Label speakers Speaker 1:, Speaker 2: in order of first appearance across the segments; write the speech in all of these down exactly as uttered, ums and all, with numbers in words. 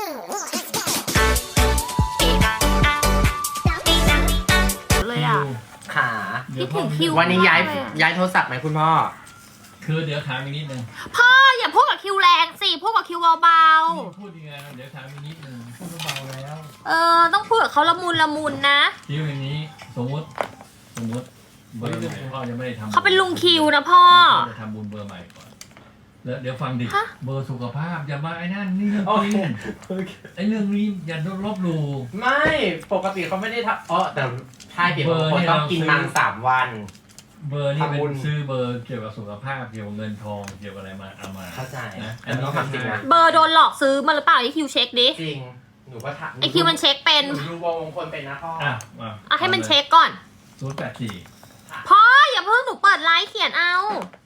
Speaker 1: เลยอ่ะ
Speaker 2: ขา
Speaker 1: คิดถึงคิว
Speaker 2: วันนี้ย้าย
Speaker 1: มากเลยอะ
Speaker 2: ย้ายโทรศัพท์ไหมคุณพ่อ
Speaker 3: คือเดี๋ยวถามอีกนิดนึง
Speaker 1: พ่ออย่าพูดกับคิวแรงสิพูดกับคิวเบา
Speaker 3: พูดยังไงเดี๋ยวถามอีกนิดนึงพูดเบาแล้ว
Speaker 1: ๆเออต้องพูดกับเขาละมุนละมุนนะ
Speaker 3: คิวอย่างนี้สมมติสมมติเบอร์ใหม่พ่อจะไม่ได้ทำ
Speaker 1: เขาเป็นลุงคิวนะพ่อ
Speaker 3: จะทำบุญเบอร์ใหม่ก่อนแล้วเดี๋ยวฟังดิ
Speaker 1: ฮะ
Speaker 3: เบอร์สุขภาพอย่ามาไอ้นั่นนี่เรื่อง
Speaker 2: โอ
Speaker 3: จ
Speaker 2: เค
Speaker 3: ริงไอ้เรื่องนี้อย่าลบหลู่
Speaker 2: ไม่ปกติเขาไม่ได้ทำอ๋อแต่ใช่เดี๋ยว
Speaker 3: เบอร์
Speaker 2: คน
Speaker 3: เนี่ย
Speaker 2: ต้อง
Speaker 3: เรา
Speaker 2: กิน
Speaker 3: ซื้อ
Speaker 2: มังสามวัน
Speaker 3: เบอร์นี่เป็
Speaker 2: ทำบุญ
Speaker 3: นซื้อเบอร์เกี่ยวกับสุขภาพเกี่ยวกับเงินทองเกี่ยวกับอะไรมาเอามา
Speaker 2: เข้าใจ
Speaker 3: นะ
Speaker 2: แต่มันต้องทำจริงนะ
Speaker 1: เบอร์โดนหลอกซื้อมาหรือเปล่าไอคิวเช็คดิ
Speaker 2: จริงหนูก็ทำ
Speaker 1: ไอคิวมันเช็คเป็น
Speaker 2: หนูดูวงมงคลเป็นนะพ่อ
Speaker 3: อ่ะมา
Speaker 1: อ่ะให้มันเช็คก่อน
Speaker 3: ศูนย์แปดสี่
Speaker 1: พ่ออย่าเพิ่งหนูเปิดไลฟ์เขียนเอา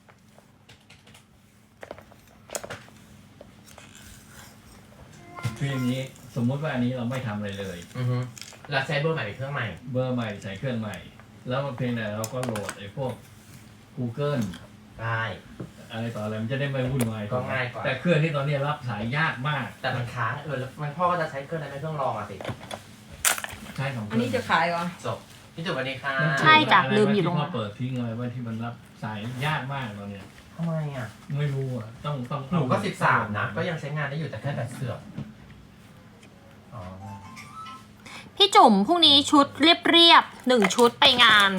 Speaker 3: คืออย่างนี้สมมุติว่าอันนี้เราไม่ทำอะไรเลย
Speaker 2: อือฮึแล้วใช้เบอร์ใหม่เป็นเครื่องใหม่
Speaker 3: เบอร์ใหม่ใส่เครื่องใหม่ แล้วเพียงแต่เราก็โหลดไอ้พวก Google
Speaker 2: ได้
Speaker 3: อะไรต่ออะไรมันจะได้ไม่วุ่นวาย
Speaker 2: ก็ง่ายกว่า
Speaker 3: แต่เครื่องที่ตอนนี้รับสายยากมาก
Speaker 2: แต่มันค้างเออแล้วมันพ่อก็จะใช้เครื่องนั้นเป็นเครื่องรองอะสิ
Speaker 3: ใช่ของเค
Speaker 4: อัน
Speaker 3: รื่
Speaker 4: นี้จะขายเหรอ
Speaker 2: จบพี่จุ๊บสวัสดีค่ะ
Speaker 1: ใช่จ้ะ
Speaker 3: อะไร
Speaker 1: ลืมอยู่ตรง
Speaker 3: ที่
Speaker 1: นั้
Speaker 3: พ่อน เปิดทิ้งอะไรไว้ที่มันรับสายยากมากตอนเนี้ย
Speaker 2: ทำไมอ่ะ
Speaker 3: ไม่รู้อ่ะต้องต้อง
Speaker 2: หนูก็สิบสามนะก็ยังใช้งานได้อยู่แต่แค่แบบเสื่อมอ๋อ
Speaker 1: พี่จุ๋มพรุ่งนี้ชุดเรียบๆหนึ่งชุดไปงาน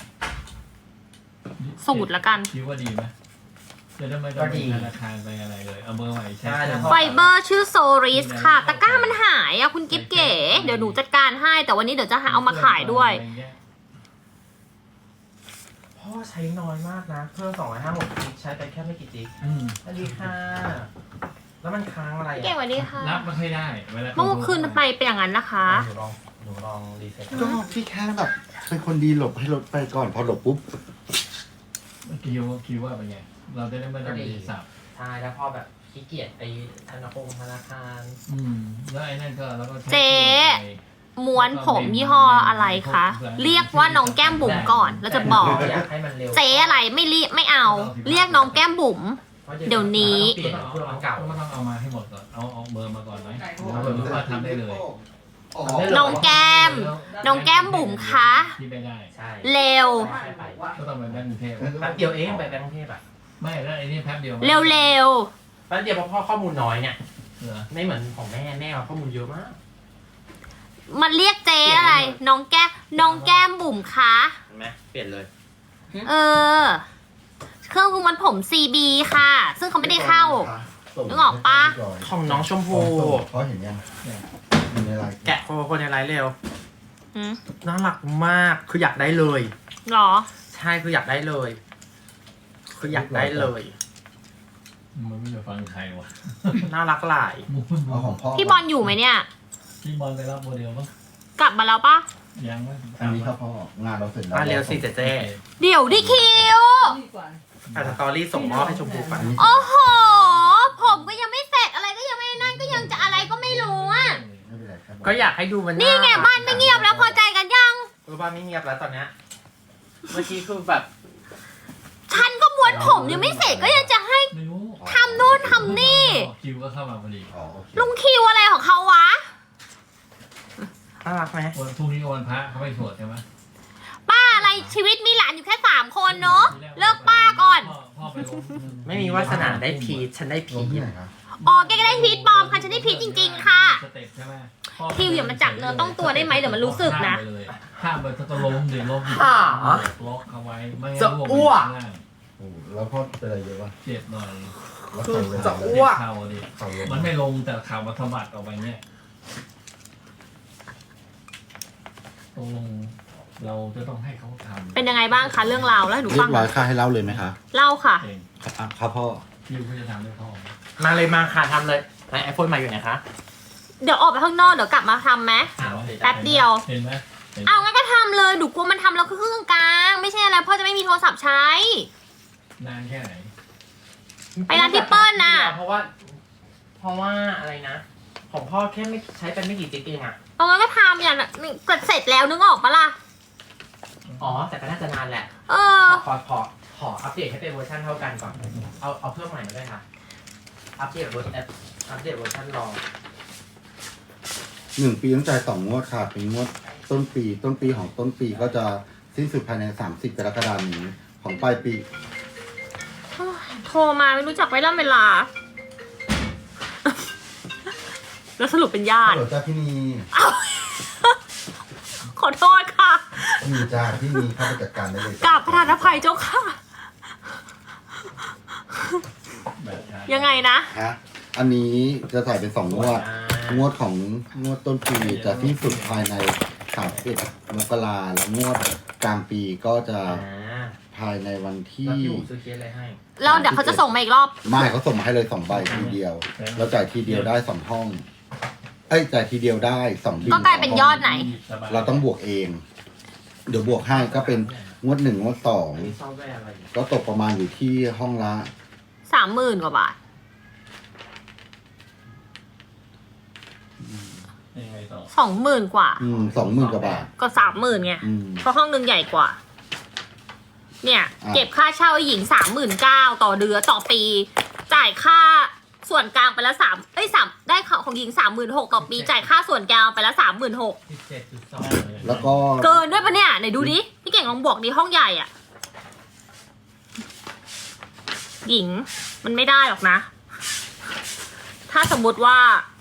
Speaker 1: สูตรละกัน
Speaker 3: คิดว่าดีไหมจะได้ไม่ต้องไปธนาคารไปอะไรเลยเอาเบอร์ใหม่ใช้เครื่อง
Speaker 1: ไฟเบอร์ชื่อโซริสค่ะ ตะกร้ามันหายอ่ะคุณกิ๊บเก๋ เดี๋ยวหนูจัดการให้ แต่วันนี้เดี๋ยวจะหาเอามาขายด้วย
Speaker 2: พ่อใช้น้อยมากนะเครื่องสองร้อยห้าสิบจิกใช้ไปแค่ไม่กี่จิก
Speaker 3: อืม
Speaker 2: สวัสดีค่ะ แล้วมันค้างอะไร
Speaker 1: เก่ง
Speaker 2: อ่ะ
Speaker 1: สวัสดีค่ะ
Speaker 3: รับไม่ค่อยได้เวลา
Speaker 1: เมื่อคืนไปเป็นอย่างนั้นนะคะ
Speaker 2: หนูลองหนูลองรีเซ็ต
Speaker 5: ก็พี่แค่แบบเป็นคนดีหลบให้รถไปก่อนพอหลบปุ๊บ
Speaker 3: คิวคิวว่าเป็นไงเราจะได้ไม่ต้องมีสับ
Speaker 2: ใช่แล้วพ่อแบบขี้เกียจไปธนาคารธนาคาร
Speaker 3: อืมแล้วไอ้นั่นก็เราก็ใช้
Speaker 1: เจ๊
Speaker 3: ตัวไป
Speaker 1: ม้วนผมยี่ห้ออะไรคะ เรียกว่าน้องแก้มบุ๋มก่อน แล้วจะบอก
Speaker 2: อยากให้มันเร็ว
Speaker 1: เจ๊อะไรไม่เรียกไม่เอา เรียกน้องแก้มบุ๋ม เดี๋ยวนี้
Speaker 2: เปลี่ยนเครื่องมันเก่า
Speaker 3: ก็ต้องเอามาให้หมดก่อนเอาเอาเบอร์มาก่อนไหมเอาเบอร์ว่าทำได้เลย
Speaker 1: น้องแก้ม น้องแก้มบุ๋มคะ
Speaker 3: ที่ไม่ได้
Speaker 2: ใช่
Speaker 1: เร็ว
Speaker 2: ใช่ไป
Speaker 3: ก็ต้องไปแบงก์กรุงเทพ
Speaker 2: แป๊บเดียวเองไปแบงก์กรุงเทพอ่ะ
Speaker 3: ไม่แล้วไอ้นี่แป๊บเดียว
Speaker 1: เร็วเร็ว
Speaker 2: แป๊บเดียวเพราะพ่อข้อมูลน้อยเนี่ย
Speaker 3: เหรอ
Speaker 2: ไม่เหมือนของแม่แม่เอาข้อมูลเยอะมาก
Speaker 1: ๆมันเรียกเจ๊อะไร น้องแก้มน้องแก้มบุ๋มคะ
Speaker 2: เห็นไหมเปลี่ยนเลย
Speaker 1: เออ เครื่องม้วนผม ซี บี ค่ะ ซึ่งเขาไม่ได้เข้า นึกออกปะ
Speaker 2: ของน้องชมพู
Speaker 5: เพราะเห็นยังอยู่ในไลน์
Speaker 2: แกะโคคนในไลฟ์เร็ว
Speaker 1: หืม
Speaker 2: น่ารักมากคืออยากได้เลย
Speaker 1: หรอ
Speaker 2: ใช่คืออยากได้เลย คืออยากได้เลย
Speaker 3: มันไม่จะฟังใครวะ
Speaker 2: น่ารักหลาย
Speaker 3: มูน
Speaker 5: เอาของพ่อ
Speaker 1: พี่บอลอยู่ไหมเนี่ย
Speaker 3: พี่บอลไปรับโมเดลมั้ง
Speaker 1: กลับมาแล้วปะ
Speaker 3: ยังไหม
Speaker 5: อันนี้ครับพ่องานเราเสร็จแล้ว
Speaker 2: มาเร็วสิเจ๊เจ๊
Speaker 1: เดี๋ยวดิคิว
Speaker 4: ดีกว่า
Speaker 2: อ่ะสตอรี่ส่งมอบให้ชมพูไป
Speaker 5: อันนี้
Speaker 1: โอ้โห ผมก็ยังไม่เสร็จอะไรก็ยังไม่นั่นก็ยังจะอะไรก็ไม่รู้อ่ะ
Speaker 5: ไม่เป็นไรครับ
Speaker 2: ก็อยากให้ดูมัน
Speaker 1: นี่ไงบ้านไม่เงียบแล้วพอใจกันยัง
Speaker 2: เออบ้านไม่เงียบแล้วตอนเนี้ยเมื่อกี้คือแบบ
Speaker 1: ฉันก็ม้วนผมยังไม่เสร็จก็ยังจะให้
Speaker 3: ไม่รู้
Speaker 1: ทำนู่นทำนี่
Speaker 3: คิวก็เข้ามาพอดี
Speaker 5: อ๋อโอเค
Speaker 1: ลุงคิวอะไรของเขาวะ
Speaker 2: น่ารักไหม
Speaker 3: วันพรุ่งนี้วันพระเขาไปสวดใช่ไหม
Speaker 1: ป้าอะไรชีวิตมีหลานอยู่แค่สามคนเนาะเลิกป้าก่อน
Speaker 3: พ่พ่อไปลง
Speaker 2: ไม่มีวาสนาได้พีชฉันได้
Speaker 5: ล
Speaker 2: พี
Speaker 5: ง
Speaker 2: ช
Speaker 5: ที่ไหนครับ
Speaker 1: อ๋อแกก็ได้พีชปลอมค่ะฉันได้พีชจริง ๆ ค่ะ
Speaker 3: สเต็ปใช่ไหม
Speaker 1: คิวอย่ามาจับเนื้อต้องตัวได้ไหมเดี๋ยวมันรู้สึกนะ
Speaker 3: ข้ามไปเลยข้ามไปต้องล้มดิล้มดิ
Speaker 2: หา
Speaker 3: ล็อกเอาไว้ไม่
Speaker 2: จะ
Speaker 3: งั้น
Speaker 2: อ้วก
Speaker 3: ข้างล่าง
Speaker 5: โอ้แล้วพ่อเป็นอะไรเยอะวะ
Speaker 3: เจ็บหน่อย
Speaker 5: แล้วใส่เวลา
Speaker 2: จะอ้วก
Speaker 3: เข่าดิ
Speaker 5: เข่าลง
Speaker 3: มันไม่ลงแต่ข่าวมาสะบัดออกไปเนี่ยตรงลงเราจะต้องให้เขาทำ
Speaker 1: เป็นยังไงบ้างคะเรื่องราวแล้วให้หนู
Speaker 5: เรี
Speaker 1: ฟั
Speaker 5: ย
Speaker 1: ง
Speaker 5: บร้อยค่ะให้เล่าเลยไหมคะ
Speaker 1: เล่าค่ะ
Speaker 3: เอง
Speaker 5: อ่ะครับพ่อ
Speaker 3: คิวเขาจะทำด้วยพ่อ
Speaker 2: มาเลยมาค่ะทำเลยไหนไอโฟนใหม่อยู่ไหนคะ
Speaker 1: เดี๋ยวออกไปข้างนอกเดี๋ยวกลับมาทำไหม แป๊บเดียว
Speaker 3: เห็นไหมเห็นไหม
Speaker 1: เอางั้นก็ทำเลยหนูกลัวมันทำแล้วคือเครื่องกลาง ไม่ใช่อะไรพ่อจะไม่มีโทรศัพท์ใช้
Speaker 3: นานแค่ไหน
Speaker 1: ไปร้านพี่เปิ้ลน่ะ
Speaker 2: เพราะว่า เพราะว่าอะไรนะ ของพ่อแค่ไม่ใช้เป็นไม่กี่จิ๊กเองอ่ะ
Speaker 1: เอางั้นก็ทำอย่างนี้ก็เสร็จแล้วนึกออกปะล่ะ
Speaker 2: อ๋อแต่ก็น่าจะนานแหละ
Speaker 1: เออ
Speaker 2: ขอขอขออัปเดตให้เป็นเวอร์ชันเท่ากันก่อน เอาเอาเพิ่มใหม่มาด้วยค่ะ อัปเดตเวอร์ชันอัปเดตเวอร์ชันรอง
Speaker 5: หนึ่งปีต้องจ่ายสองงวดค่ะเป็นงวดต้นปี ต้นปีของต้นปีก็จะสิ้นสุดภายในสามสิบกรกฎาคมนี้ของปลายปี
Speaker 1: โทรมาไม่รู้จักเวลาเวลา แล้วสรุปเป็นญา
Speaker 5: ฮั
Speaker 1: ติ
Speaker 5: ลโหลจ้าพี่นี
Speaker 1: อ้าว ขอโทษค่ะ
Speaker 5: มีจ้าพี่นีเข้าไปจัดการได้เลย
Speaker 1: กราบประธานอภัยเจ้าค่ะ
Speaker 3: แบบใช้
Speaker 1: ยังไงนะ
Speaker 5: ฮะอันนี้จะถ่ายเป็นสองงวด งวดของงวดต้นปีจะสิ้นสุดภายในสามสิบเอ็ดมกราแล้วงวดกลางปีก็จะ
Speaker 2: อ่า
Speaker 5: ภายในวันที่
Speaker 2: แล้วพี่อู๋ซื้อเคสอะไรให้
Speaker 1: แล้วเดี๋ยวเขาจะส่งมาอีกรอบ
Speaker 5: ไม่เขาส่งมาให้เลยสองใบทีเดียว เราจ่ายทีเดียวได้สองห้อง เอ้ยจ่ายทีเดียวได้สองบิล
Speaker 1: ก็กลายเป็นยอดไหน
Speaker 3: สบย
Speaker 5: เราต้องบวกเอง เดี๋ยวบวกให้ก็เป็นงวดหนึ่งงวดสอง
Speaker 2: มีซอฟต์แวร์อะไรอยู่
Speaker 5: ก็ตกประมาณอยู่ที่ห้องละ
Speaker 1: สามหมื่นกว่าบาท
Speaker 3: ยังไงต่อ
Speaker 1: สองหมื่นกว่า
Speaker 5: อืมสองหมื่นกว่าบาท
Speaker 1: ก็สามหมื่นไง
Speaker 5: อืม
Speaker 1: เพราะห้องหนึ่งใหญ่กว่า เนี่ย
Speaker 5: อ่ะ
Speaker 1: เก็บค่าเช่าหญิงสามหมื่นเก้าต่อเดือนต่อปี จ่ายค่าส่วนกลางไปละสามเอ้ยสามได้ของหญิงสามหมื่นหกต่อปี จ่ายค่าส่วนกลางไปละสามหมื่นหก
Speaker 2: สิบเจ็ดจุดสอง
Speaker 5: แล้วก็
Speaker 1: เกินด้วยปะเนี่ยไหนดูดิ พี่เก่งลองบวกดิห้องใหญ่อ่ะ หญิงมันไม่ได้หรอกนะ ถ้าสมมุติว่า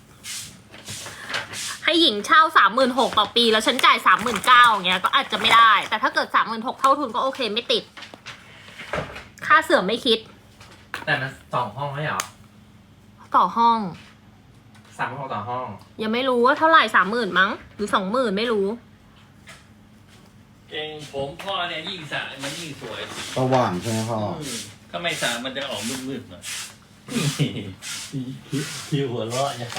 Speaker 1: ให้หญิงเช่าสามหมื่นหกต่อปี แล้วฉันจ่ายสามหมื่นเก้าอย่างเงี้ยก็อาจจะไม่ได้ แต่ถ้าเกิดสามหมื่นหกเท่าทุนก็โอเคไม่ติด ค่าเสื่อมไม่คิด
Speaker 2: แต่มันสองห้องไม่เหรอ
Speaker 1: ต่อห้อง
Speaker 2: สามห้องต่อห้อง
Speaker 1: ยังไม่รู้ว่าเท่าไหร่สามหมื่นมั้ง หรือสองหมื่นไม่รู้
Speaker 3: เองผมพ่อเนี่ยยิ่งสระมันยิ่งสวย
Speaker 5: สว่างใช่ไหมพ่อ
Speaker 3: อืมถ้าไม่สระมันจะออกมืดๆหน่อยคิวหัวเราะใหญ่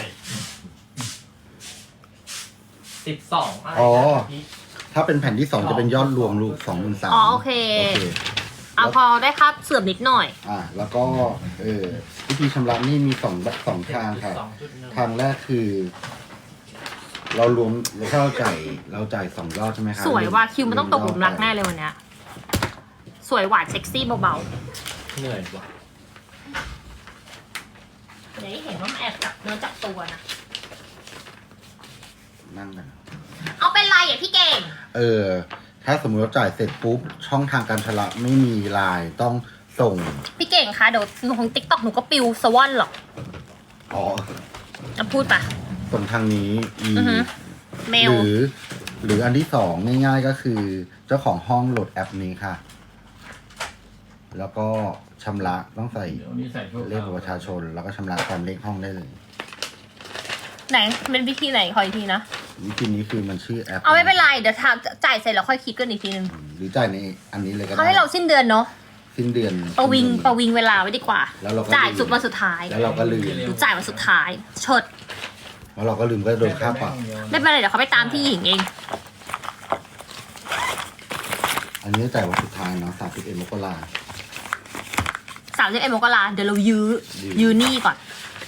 Speaker 2: สิบสองอะไร
Speaker 5: อ๋อ
Speaker 2: นะพี่
Speaker 5: ถ้าเป็นแผ่นที่สองจะเป็นยอดรวมลูกสองหมื่นสาม
Speaker 1: อ๋อโอเค
Speaker 5: โอเค
Speaker 1: เอาพอได้ค่าเสื่อมนิดหน่อย
Speaker 5: อ่า แล้วก็เออวิธีชำระหนี่มีสองแบบสองทางค่ะ
Speaker 2: สองจุดหนึ่ง
Speaker 5: ทางแรกคือ เรารวมถ้าเราจ่ายเราจ่ายสองยอดใช่ไหมคะ
Speaker 1: สวยว่ะคิวมันต้องตกหลุมรักแน่เลยวันเนี้ย สวยหวานเซ็กซี่เบา
Speaker 2: เหนื่อยว่ะ
Speaker 1: ๆอย่าให้เห็นว่ามันแอบจับเนื้อจับตัวนะ
Speaker 5: นั่งกัน
Speaker 1: เอาเป็นไรอ่ะพี่เก่ง
Speaker 5: เออ ถ้าสมมติเราจ่ายเสร็จปุ๊บ ช่องทางการชำระไม่มีไลน์ต้องส่ง
Speaker 1: พี่เก่งคะเดี๋ยวหนูของติ๊กต็อกหนูก็ปิวสวอนหรอก
Speaker 5: อ๋อ
Speaker 1: จะพูดปะ
Speaker 5: ส่งทางนี้อี
Speaker 1: อือฮึเมล
Speaker 5: หรือ หรืออันที่สองง่ายๆก็คือ เจ้าของห้องโหลดแอปนี้ค่ะ แล้วก็ชำระต้องใส่
Speaker 3: เดี๋ยวนี้ใส่ชั่วคราว
Speaker 5: เลขบัตรประชาชน แล้วก็ชำระตามเลขห้องได้เลย
Speaker 1: ไหนเป็นวิธีไหนขออีกทีนะ
Speaker 5: วิธีนี้คือมันชื่อแอป
Speaker 1: เอาไม่เป็นไรเดี๋ยวทำจ่ายเสร็จแล้วค่อยคิดกันอีกทีนึง
Speaker 5: หรือจ่ายในอันนี้เลยก็
Speaker 1: เขา
Speaker 5: ได้
Speaker 1: ให้เราสิ้นเดือนเนาะ
Speaker 5: สิ้นเดือน
Speaker 1: ประวิง
Speaker 5: สิ้นเดือน
Speaker 1: ประวิงเวลาไว้ดีกว่า
Speaker 5: แล้วเราก็
Speaker 1: จ่าย
Speaker 5: ลืม
Speaker 1: สุดวันสุดท้าย
Speaker 5: แล้วเราก็ลืม
Speaker 1: หรือจ่ายวันสุดท้ายเชิด
Speaker 5: แล้วเราก็ลืมก็โดนค่าปรับ
Speaker 1: ไม่เป็นไรเดี๋ยวเขาไปตามที่หญิงเอง
Speaker 5: อันนี้จ่ายวันสุดท้ายเนาะสามสิบเอ็ดมกรา
Speaker 1: สามสิบเอ็ดมกราเดี๋ยวเรายื้อ
Speaker 5: ยื้อ
Speaker 1: ยื้อหนี่ก่อน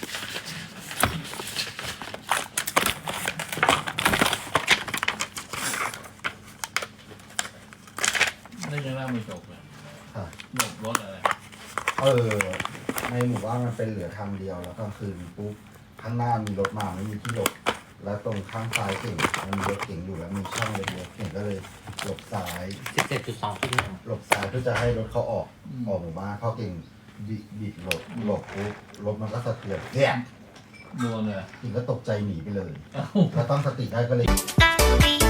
Speaker 3: นี่ยังเล่าไม่จบเลย
Speaker 5: ค่ะ
Speaker 3: หมดรถอะไร
Speaker 5: เออ ในหมู่บ้านมันเป็นเหลือทางเดียวแล้วก็คือปุ๊บข้างหน้ามีรถมาไม่มีที่หลบ แล้วตรงข้างซ้ายเก่งมันมีรถเก่งอยู่แล้วมีช่องเล็กๆเก่งก็เลยหลบซ้าย
Speaker 2: สิบเจ็ดจุดสองจุดหนึ่ง
Speaker 5: หลบซ้ายเพื่อจะให้รถเขาออกออกหมู่บ้านเขาเก่งบิบิดหลบหลบปุ๊บรถมันก็สะเทือนเนี่ย
Speaker 3: โดนเลย
Speaker 5: เก่งก็ตกใจหนีไปเลย
Speaker 3: เอ้า
Speaker 5: แล้วตั้งสติได้ก็เลย
Speaker 1: Story